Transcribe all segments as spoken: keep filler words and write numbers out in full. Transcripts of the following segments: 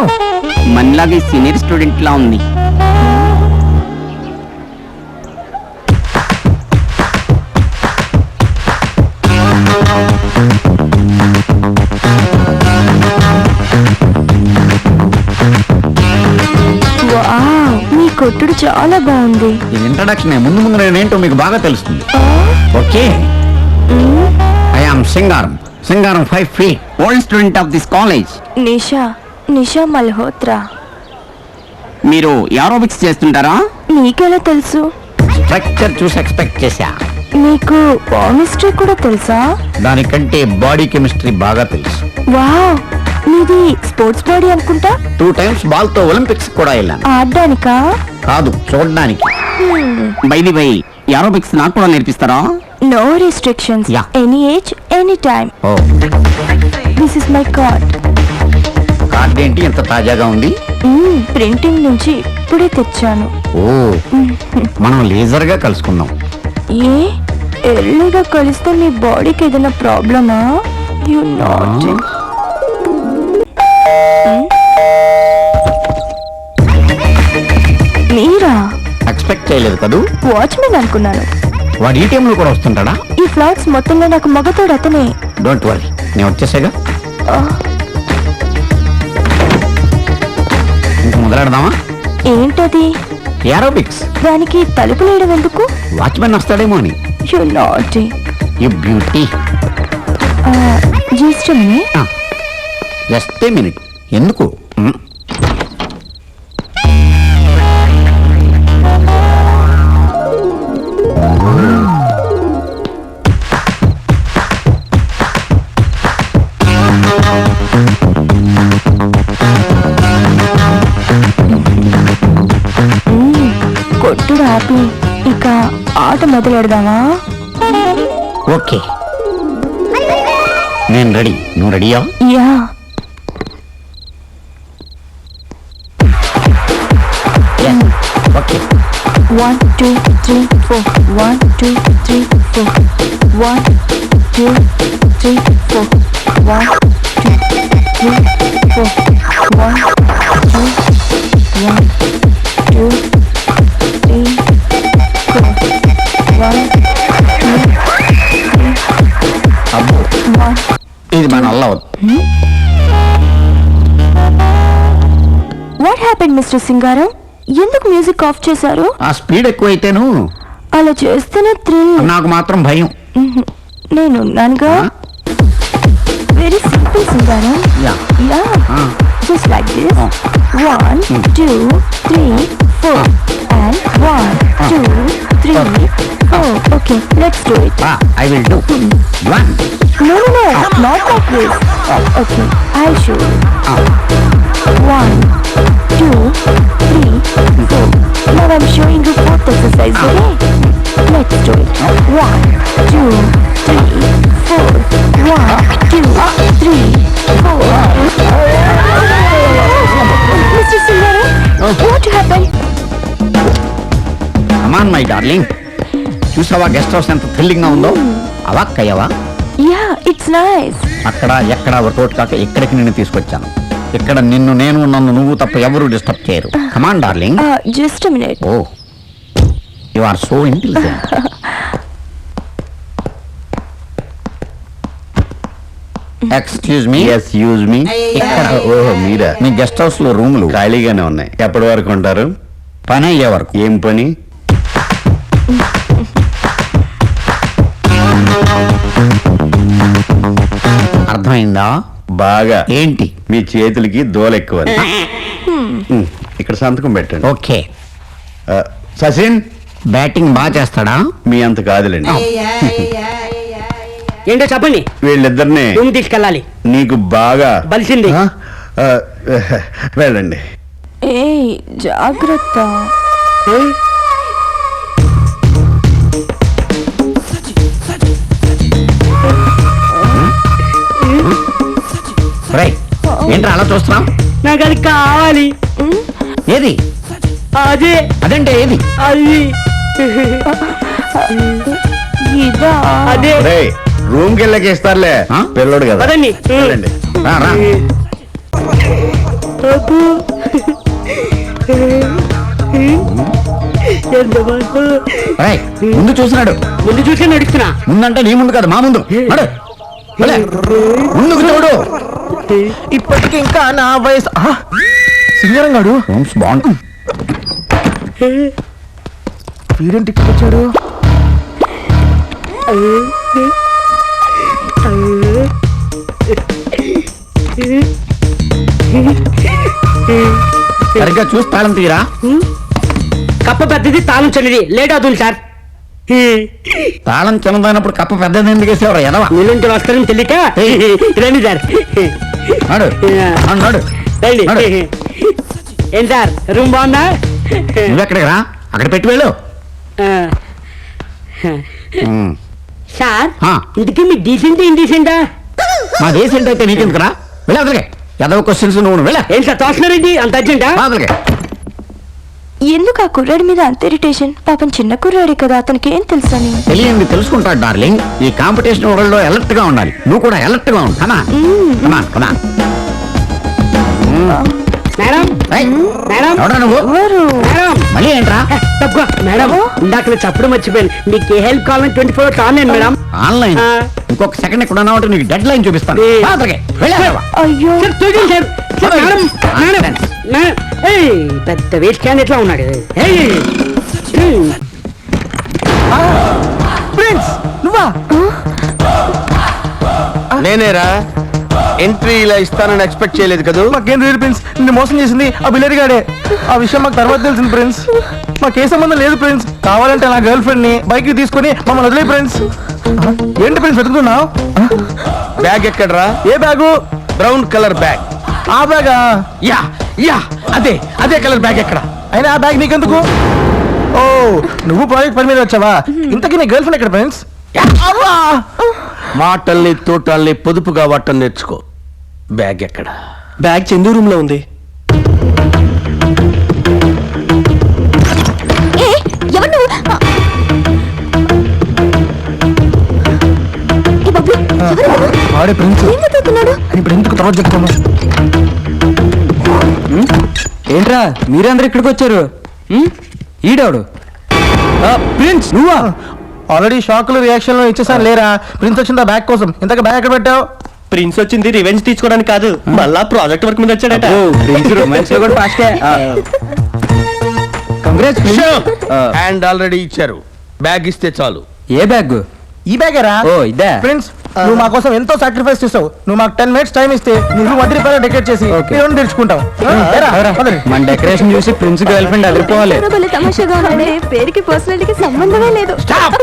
మనలాగే senior student లా ఉంది. మీ కొట్టుడు చాలా బాగుంది. ఇది ఇంట్రడక్షన్. ముందు ముందు నేనేంటో మీకు బాగా తెలుస్తుంది. Okay, I am Singaram. Singaram five feet old student of this college. Nisha Nisha Malhotra. మీరు ఏరోబిక్స్ చేస్తుంటారా? నీకెలా తెలుసు? స్ట్రక్చర్ చూసి ఎక్స్పెక్ట్ చేశా. మీకు కెమిస్ట్రీ కూడా తెలుసా? దానికంటే బాడీ కెమిస్ట్రీ బాగా తెలుసు. వావ్, మీది స్పోర్ట్స్ బాడీ అనుకుంటా. టూ టైమ్స్ బాల్ తో ఒలింపిక్స్ కూడా వెళ్ళాను. ఆడడానికా? కాదు, చూడడానికి. బై ది బై, ఏరోబిక్స్ నాకు కూడా నేర్పిస్తారా? No restrictions. Yeah. Any age any time. Oh, this is my card. Card ఏంటి ఎంత తాజాగా ఉంది? ప్రింటింగ్ నుంచి ఇప్పుడే తెచ్చాను. ఓ, మనం లేజర్ గా కలుసుకుందాం. ఏ ఎర్లీగా కలిస్తే మీ బాడీకి ఏదైనా ప్రాబ్లమా? You not. మీరా? ఎక్స్పెక్ట్ చేయలేదు కదూ. వాచ్మెన్ అనుకున్నాను. వాడు ఈ టైంలో కూడా వస్తుంటాడా? ఈ ఫ్లాట్స్ మొత్తంలో నాకు మగతోడు అతనే. డోంట్ వరీ, నేను వచ్చేసాగా. ఇంక మొదలెడదామా? ఏంటది? ఏరోబిక్స్. దానికి తలుపు లేయడం ఎందుకు? వాచ్మెన్ వస్తాడేమో అని. You not. You beauty. Just minute. Just a minute. ఎందుకు? కొట్టుడు ఆపి ఇక ఆట మొదలెడదామా? ఓకే, నేను రెడీ. నువ్వు రెడీయా? Yeah. Okay. One, two, three, four. One, two, three, four. One, two, three, four. One, two, three, four. One, two, one, two, three, four. One, two, three, అబ్బో, one. ఇది మన వల్ల అవదు. What happened, mister Singaram? ఎందుకు music of చేశారు? ఆ speed ఎక్కువైతేను అలా చేస్తేనే థ్రిల్. నాకు మాత్రం భయం. నేను ఉన్నానుగా. Very simple Singaram. Yeah. Yeah. Ah. Just like this. Ah. One, Mm. two, three, four. Ah. And one, Ah. two, three, Okay. four. Okay, let's do it. I will do. One. No, no, no, not like this. Okay, I'll show you. One, two, three, four. Now I'm showing you fourth exercise, okay? Let's do it. One, two, three, four. One, two, three, four. Mister Singaram, what happened? Come on my darling. చూసావా guest house ఎంత thrilling గా ఉందో? అవాక్కయ్యవా? Yeah, it's nice. అక్కడ ఎక్కడ ఒకటి కాక ఇక్కడికి నిన్ను తీసుకొచ్చాను. ఇక్కడ నిన్ను నేను నన్ను నువ్వు తప్ప ఎవరు డిస్టర్బ్ చేయరు. Come on darling. Uh, just a minute. Oh, you are so intelligent. Excuse me. ఎస్ యూజ్ మీ. ఇక్కడ ఓహో మీరా? మీ గెస్ట్ హౌస్ లో రూములు ఖాళీగానే ఉన్నాయి. ఎప్పటి వరకు ఉంటారు? పని అయ్యే వరకు. ఏం పని? అర్థమైందా? బాగా. ఏంటి? మీ చేతులకి దోల ఎక్కువ. ఉమ్, ఇక్కడ సంతకం పెట్టండి. ఓకే. ఆ, సచిన్ బ్యాటింగ్ బాగా చేస్తాడా? మీ అంత కాదులేండి. ఏంటో చెప్పండి. వీళ్ళిద్దరిని రూమ్ తీసుకెళ్ళాలి. నీకు బాగా బలిసింది. ఆ, ఆ, వెళ్ళండి. ఏయ్, జాగ్రత్త. రైట్. ఏంట్రా అలా చూస్తున్నాం? నాకు అది కావాలి. ఏది? అదే అదంటే ఏది? అది ఇదా? అదే రూమ్ కి వెళ్ళకి ఇస్తారులే. ఆ? పిల్లడు కదా. పదండి. వెళ్ళండి. రా, రా. అబ్బో. ఎంత బాగు. రేయ్, ముందు చూసినాడు. ముందు చూసి నడుస్తున్నా. ముందంటే నీ ముందు కాదు మా ముందు నడు. వెళ్ళే. ముందుకు చూడు. ఇప్పటికి ఇంకా నా వయసు ఆ, సింగరం గాడు బాగుంది. వీడేంటి ఇక్కడ వచ్చాడు? సరిగ్గా చూసి తాళం తీరా. కప్ప పెద్దది తాళం చిన్నది లేట్ అవుతుంది సార్. తాళం చిన్నదైనప్పుడు కప్ప పెద్దది ఎందుకు వేసేవారు ఎదవా? నిలుంటి వస్తారని తెలియక రండి సార్. నడు నడు, నడు రండి. నడు. ఏం సార్ రూమ్ బాగుందా? నువ్వెక్కడికి రా, అక్కడ పెట్టి వెళ్ళు. ఉమ్. సార్ ఆ. ఇంటికి మీ డీసెంట్ ఇండీసెంటా? మా దేశం అయితే నీకెందుకురా? వెళ్ళి అదలకే ఎదవ క్వశ్చన్స్ నువ్వు వెళ్ళా ఏం సార్ తోస్తున్నారండి అంత అర్జెంటా? అదలకే. ఎందుకు ఆ కుర్రాడి మీద అంత ఇరిటేషన్? పాపం చిన్న కుర్రాడే కదా, అతనికి ఏం తెలుసని. తెలియంది తెలుసుకుంటాడు డార్లింగ్. ఈ కాంపిటీషన్ వరల్డ్ లో అలర్ట్ గా ఉండాలి. నువ్వు కూడా అలర్ట్ గా ఉండు. కమా కమా కమా. మేడం మేడం ఎవడా నువ్వు? ఎవరు? మేడం మళ్ళీ ఏంట్రా? తక్కువ మేడం ఇందాక నేను చెప్పడం మర్చిపోయాను. మీకు ఏ హెల్ప్ కావాలని twenty four hours online madam. Online ఆ. ఇంకొక సెకండ్ ఇక్కడ ఉన్నావు నీకు డెడ్ లైన్ చూపిస్తాను. ఏ. అదలకే వెళ్ళా. అయ్యో, సార్ చూడండి సార్. సార్ అరే. మేడం మేడం మేడం ఏయ్ పెద్ద వేస్ట్ క్యాన్ ఎట్లా ఉన్నాడు? ఏయ్ ఏయ్. ప్రిన్స్ నువ్వా? నేనేరా ఎంట్రీ ఇలా ఇస్తానని ఎక్స్పెక్ట్ చేయలేదు కదా. మాకేం తెలియదు ప్రిన్స్, నిన్ను మోసం చేసింది ఆ బిల్లరి గాడే. ఆ విషయం మాకు తర్వాత తెలిసింది ప్రిన్స్. మాకే సంబంధం లేదు ప్రిన్స్. కావాలంటే నా గర్ల్ ఫ్రెండ్ ని బైక్ తీసుకొని మమ్మల్ని వదిలే ప్రిన్స్. ఆ, ఏంటి ప్రిన్స్ వెతుకుతున్నావు? బ్యాగ్ ఎక్కడరా? ఏ బ్యాగు? Brown colour bag. ఆ బ్యాగా? యా యా అదే అదే కలర్ బ్యాగ్ ఎక్కడ? అయినా ఆ బ్యాగ్ నీకెందుకు? ఓ, నువ్వు ప్రాజెక్ట్ పని మీద వచ్చావా? ఇంతకీ నీ గర్ల్ ఫ్రెండ్ ఎక్కడ ప్రిన్స్? మాటల్ని తోటల్ని పొదుపుగా వాటం నేర్చుకో. బ్యాగ్ ఎక్కడ? బ్యాగ్ చందు రూమ్ లో ఉంది. ఏ, ఎవరు నువ్వు? ఏ బాబు, ఎవరు నువ్వు? వాడే ప్రిన్స్. ఏం వెతుకుతున్నాడు? ఇప్పుడు ఎందుకు తర్వాత చెప్తాను. ఏంట్రా మీరందరూ ఇక్కడికి వచ్చారు? ఈడవడు ప్రిన్స్ నువ్వా? ఆల్రెడీ షాకులు రియాక్షన్లు ఇచ్చేసాను లేరా? ప్రిన్స్ వచ్చిందా బ్యాగ్ కోసం? ఇంతక బ్యాగ్ ఎక్కడ పెట్టావు? ప్రిన్స్ వచ్చింది రివెంజ్ తీసుకోవడానికి కాదు, మళ్ళా ప్రాజెక్ట్ వర్క్ మీద వచ్చాడట. ప్రిన్స్ రొమాన్స్ లో కూడా ఫాస్టే. కంగ్రాట్స్ హ్యాండ్ ఆల్రెడీ ఇచ్చారు. బ్యాగ్ ఇస్తే చాలు. ఏ బ్యాగ్? ఈ బ్యాగేరా? ఓ ఇదే. ఫ్రెండ్స్ నువ్వు మా కోసం ఎంతో సాక్రిఫైస్ చేసావు. నువ్వు మాకు టెన్ మినిట్స్ టైం ఇస్తే నువ్వు వడ్డీ రూపాయలు డెకరేట్ చేసి Okay. లోన్ తెచ్చుకుంటావు. మన డెకరేషన్ చూసి ప్రిన్స్ గర్ల్ ఫ్రెండ్ అదిరిపోవాలి. ఎవరో భలే తమాషాగా ఉన్నాడే. పేరుకి పర్సనాలిటీకి సంబంధమే లేదు.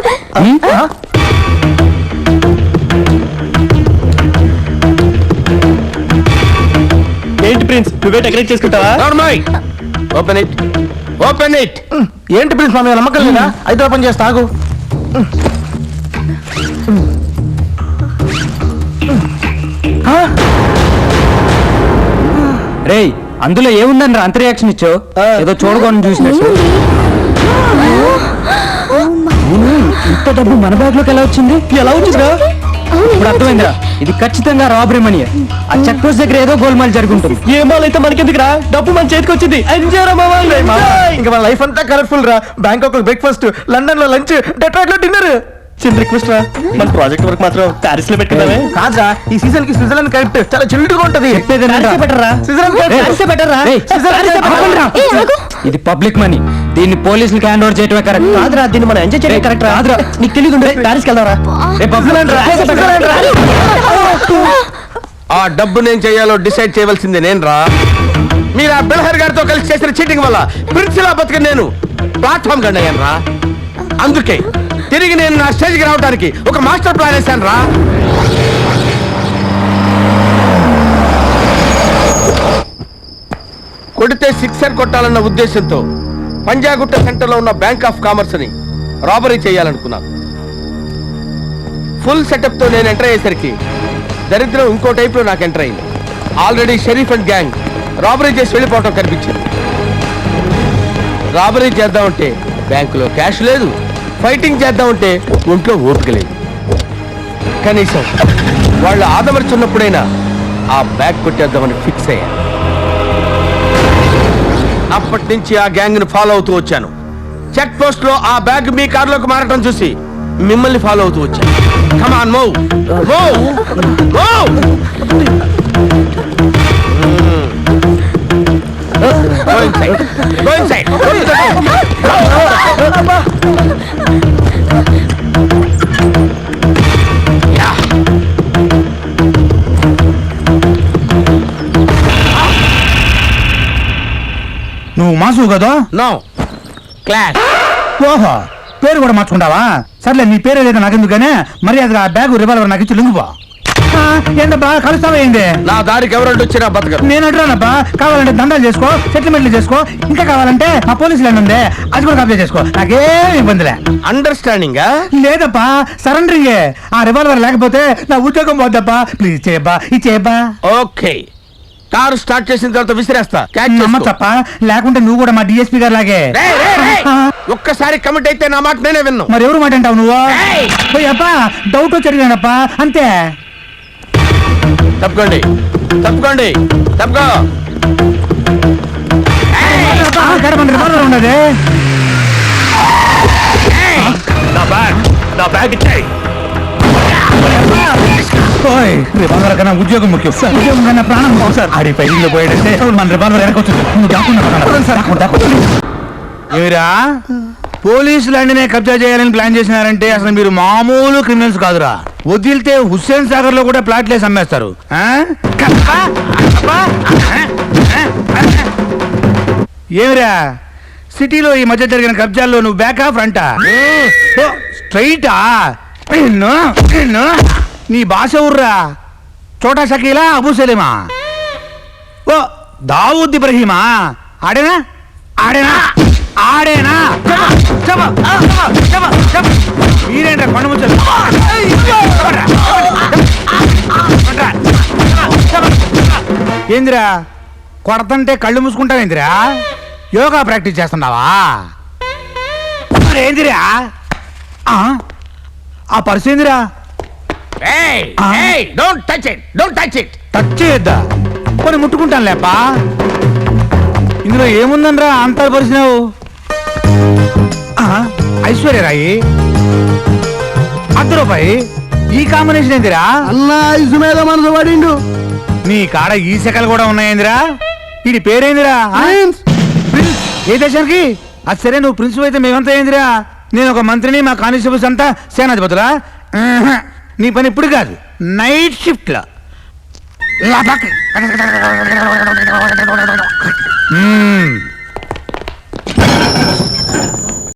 ఏంటి ప్రిన్స్ నువ్వే డెకరేట్ చేసుకుంటావా? Open it open it. ఏంటి ప్రిన్స్ మా మీద నమ్మకం లేదా? అయితే ఓపెన్ చేస్తా ఆగు. రేయ్ అందులో ఏముందని రా అంత రియాక్షన్ ఇచ్చావు? ఏదో చూడకుండా చూసినట్టు. ఇంత డబ్బు మన బ్యాగ్ లోకి ఎలా వచ్చింది? ఎలా వచ్చిందిరా? ఇప్పుడు అర్థమైందిరా, ఇది ఖచ్చితంగా రాబరీ మనీ. ఆ చెక్ పోస్ట్ దగ్గర ఏదో గోల్మాల్ జరుగుంటుంది. ఏ మాల్ అయితే మనకెందుకురా, డబ్బు మన చేతికి వచ్చింది. ఇంకా మన లైఫ్ అంతా కలర్ఫుల్ రా. బ్యాంకాక్ లో బ్రేక్ఫాస్ట్, లండన్ లో లంచ్, డెట్రాయిట్ లో డిన్నర్. చిన్న రిక్వెస్ట్ రా, మన ప్రాజెక్ట్ వర్క్ మాత్రం ప్యారిస్ లో పెట్టుకున్నావే. కాదురా, ఈ సీజన్ కి స్విట్జర్లాండ్ కరెక్ట్. చాలా చిల్డ్ గా ఉంటది. ఇది పబ్లిక్ మనీ, దీన్ని పోలీసులకు హ్యాండ్ ఓవర్ చేయటమే కరెక్ట్. కాదురా, దీన్ని మనం ఎంజాయ్ చేయడం కరెక్ట్. కాదురా, నీకు తెలియదు. ప్యారిస్కి వెళ్దాంరా. ఆ డబ్బు నేను చేయాలో డిసైడ్ చేయవలసింది నేను రా. మీరు ఆ బెల్హర్ గారితో కలిసి చేసిన చీటింగ్ వల్ల ప్రిన్సిలా బతికి నేను ప్లాట్ఫామ్ గండి అయ్యాను రా. అందుకే తిరిగి నేను నా స్టేజ్కి రావడానికి ఒక మాస్టర్ ప్లాన్ వేశాను రా. కొడితే సిక్సర్ కొట్టాలన్న ఉద్దేశంతో పంజాగుట్ట సెంటర్లో ఉన్న బ్యాంక్ ఆఫ్ కామర్స్ ని రాబరీ చేయాలనుకున్నాను. ఫుల్ సెటప్ తో నేను ఎంటర్ అయ్యేసరికి దరిద్రం ఇంకో టైప్ లో నాకు ఎంటర్ అయింది. Already Sharif and gang robbery చేసి వెళ్ళిపోవటం కనిపించింది. రాబరీ చేద్దామంటే బ్యాంకులో క్యాష్ లేదు, ఫైటింగ్ చేద్దామంటే ఒంట్లో ఓపిక లేదు. కనీసం వాళ్ళు ఆదమర్చున్నప్పుడైనా ఆ బ్యాగ్ కొట్టేద్దామని ఫిక్స్ అయ్యాను. అప్పటి నుంచి ఆ గ్యాంగ్ ని ఫాలో అవుతూ వచ్చాను. చెక్ పోస్ట్ లో ఆ బ్యాగ్ మీ కారులోకి మారటం చూసి మిమ్మల్ని ఫాలో అవుతూ వచ్చాను. Come on move move move. Go inside. Go inside. Go inside. Yeah. నువ్వు మాసు కదా? No. Class. ఓహో, పేరు కూడా మార్చుకుంటావా? సర్లే, నీ పేరు ఏదైతే నాకెందుకనే మర్యాదగా ఆ బ్యాగ్ రివాల్వర్ నాకు ఇచ్చి లొంగిపో. ఏంటబ్బా కలుస్తావా ఏంది? నా దారికి ఎవరంటే వచ్చినా బతకరు. నేను అంటున్నానబ్బా, కావాలంటే దండాలు చేసుకో, సెటిల్మెంట్లు చేసుకో, ఇంకా కావాలంటే మా పోలీసు లైన్ ఉంది, అది కూడా కబ్జా చేసుకో, నాకేం ఇబ్బందిలే. అండర్స్టాండింగ్. లేదప్పా, సరెండరింగే. ఆ రివాల్వర్ లేకపోతే నా ఉద్యోగం పోద్దబ్బా. ప్లీజ్ చేయబ్బా, ఇచ్చేయబ్బా. ఓకే, కారు స్టార్ట్ చేసిన తర్వాత విసిరేస్తా. Catch చేసుకో. నమ్మచ్చప్ప, లేకుంటే నువ్వు కూడా మా డిఎస్పీ గారు లాగే. రేయ్, రేయ్, రేయ్. ఒక్కసారి కమిట్ అయితే నా మాట నేనే విన్ను. మరి ఎవరు మాట అంటావు నువ్వు? ఏయ్! పోయప్పా, డౌట్ వచ్చి అడిగానప్పా, అంతే. తప్పుకోండి తప్పుకోండి తప్పుకో. గడపండి, రివాల్వర్ ఉండదు. ఓయ్, రివాల్వర్ కన్నా ఉద్యోగం ముఖ్యం. ఉద్యోగం కన్నా ప్రాణం ముఖ్యం సార్. ఆడి పైలో పోయాడంటే మన రివాల్వర్ వెనకొచ్చు. నువ్వు దాక్కున్నా ఏరా, పోలీసు ల్యాండ్నే కబ్జా చేయాలని ప్లాన్ చేసినారంటే అసలు మీరు మామూలు క్రిమినల్స్ కాదురా. వదిలితే హుస్సేన్ సాగర్ లో కూడా ప్లాట్లేసి అమ్మేస్తారు. ఆ? కప్పా? కప్పా? ఏమిరా, సిటీలో ఈ మధ్య జరిగిన కబ్జాల్లో నువ్వు బ్యాకా ఫ్రంటా? స్ట్రైటా? నిన్ను నిన్ను నీ భాష ఊర్రా. చోటా షకీలా, అబూ సలీమా? ఓ దావూద్ ఇబ్రహీమా? ఆడేనా ఆడేనా ఆడేనా? మీరేంట్రా కొండ ముచ్చలు? ఏందిరా, కొడతంటే కళ్ళు మూసుకుంటావేందిరా? యోగా ప్రాక్టీస్ చేస్తున్నావా? ఏందిరా ఆ పర్సు? ఏందిరా? Don't touch it don't touch it. Touch చేయొద్దా? కొన్ని ముట్టుకుంటాను లేపా. ఇందులో ఏముందనరా అంత పరిచినావు? ఐశ్వర్యరాయి, అర్ధ రూపాయి, ఈ కాంబినేషన్ ఏందిరా? అన్నా ఐసు మీద మనసు పడిండు. నీ కాడ ఈ శకలు కూడా ఉన్నాయేందిరా? ఇది పేరేందిరా? ప్రిన్స్. ఏ దేశానికి? అది సరే, నువ్వు ప్రిన్స్ అయితే మేమంతా ఏందిరా? నేను ఒక మంత్రిని, మా కానిస్టేబుల్స్ అంతా సేనాధిపతులా? నీ పని ఇప్పుడు కాదు, నైట్ షిఫ్ట్ లో.